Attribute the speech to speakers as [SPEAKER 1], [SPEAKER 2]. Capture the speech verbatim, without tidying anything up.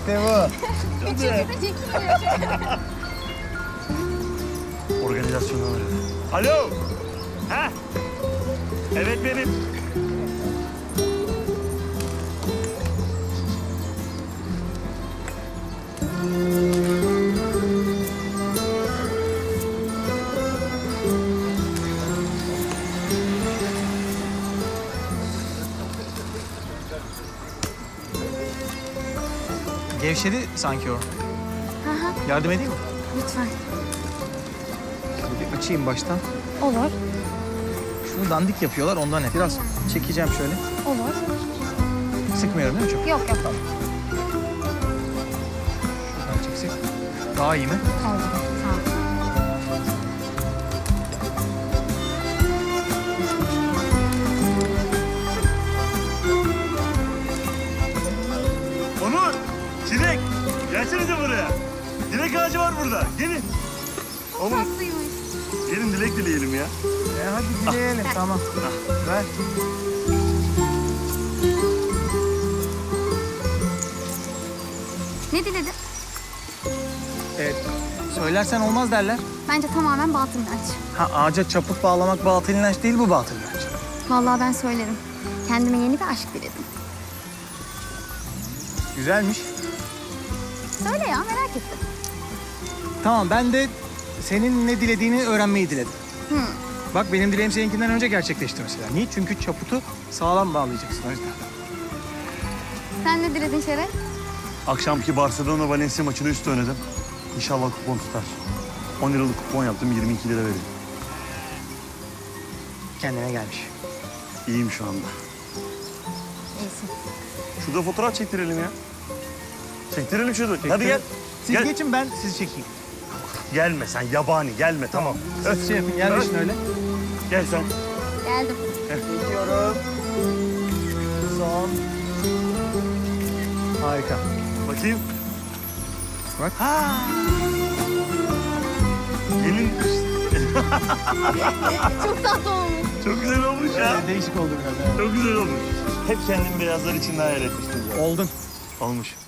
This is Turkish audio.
[SPEAKER 1] İşte bu.
[SPEAKER 2] Üçüncü de çekilmiyor.
[SPEAKER 3] Organizasyondan arıyor. Alo. Ha? Evet benim.
[SPEAKER 1] Gevşedi sanki o.
[SPEAKER 2] Hı hı,
[SPEAKER 1] Yardım edeyim mi?
[SPEAKER 2] lütfen.
[SPEAKER 1] Şöyle bir açayım baştan.
[SPEAKER 2] Olur,
[SPEAKER 1] Şunu dandik yapıyorlar ondan hep. Biraz çekeceğim şöyle.
[SPEAKER 2] olur.
[SPEAKER 1] Sıkmıyorum değil mi çok?
[SPEAKER 2] Yok yok.
[SPEAKER 1] Şuradan çeksek. Daha iyi mi?
[SPEAKER 2] Oldu. Sağ ol.
[SPEAKER 3] Onur. Çilek. Gelsenize buraya. Dilek ağacı var burada. Gelin. Oğlum
[SPEAKER 2] Tatlıymış.
[SPEAKER 3] gelin dilek dileyelim ya.
[SPEAKER 1] E hadi dileyelim tamam. Ver.
[SPEAKER 2] Ne diledin?
[SPEAKER 1] Evet. Söylersen olmaz derler.
[SPEAKER 2] Bence tamamen batıl inanç.
[SPEAKER 1] Ha ağaca çaput bağlamak batıl inanç değil, bu batıl inanç.
[SPEAKER 2] Vallahi ben söylerim. Kendime yeni bir aşk diledim.
[SPEAKER 1] Güzelmiş.
[SPEAKER 2] Söyle ya, merak ettim.
[SPEAKER 1] Tamam, ben de senin ne dilediğini öğrenmeyi diledim.
[SPEAKER 2] Hı.
[SPEAKER 1] Bak benim dileğim seninkinden önce gerçekleşti mesela. Niye? Çünkü çaputu sağlam bağlayacaksın o yüzden.
[SPEAKER 2] Sen ne diledin Şeref?
[SPEAKER 3] Akşamki Barcelona Valencia maçını üstü oynadım. İnşallah kupon tutar. on liralık kupon yaptım, yirmi iki lira vereyim.
[SPEAKER 1] Kendine gelmiş.
[SPEAKER 3] İyiyim şu anda.
[SPEAKER 2] İyisin.
[SPEAKER 3] Şurada fotoğraf çektirelim ya. Çektirelim şurada. Hadi gel.
[SPEAKER 1] Siz
[SPEAKER 3] Gel.
[SPEAKER 1] geçin, ben sizi çekeyim.
[SPEAKER 3] Gelme sen yabani gelme tamam.
[SPEAKER 1] Siz şey yapın, yerleşin öyle.
[SPEAKER 3] Gel sen.
[SPEAKER 2] Geldim.
[SPEAKER 1] Gidiyorum. Son. Harika.
[SPEAKER 3] Bakayım.
[SPEAKER 1] Bak.
[SPEAKER 3] Ha. Gelin.
[SPEAKER 2] Çok tatlı olmuş.
[SPEAKER 3] Çok güzel olmuş ya.
[SPEAKER 1] Ee, değişik oldu biraz. Evet.
[SPEAKER 3] Çok güzel olmuş. Hep kendim beyazlar içinde hayal etmiştim zaten.
[SPEAKER 1] Oldun.
[SPEAKER 3] Olmuş.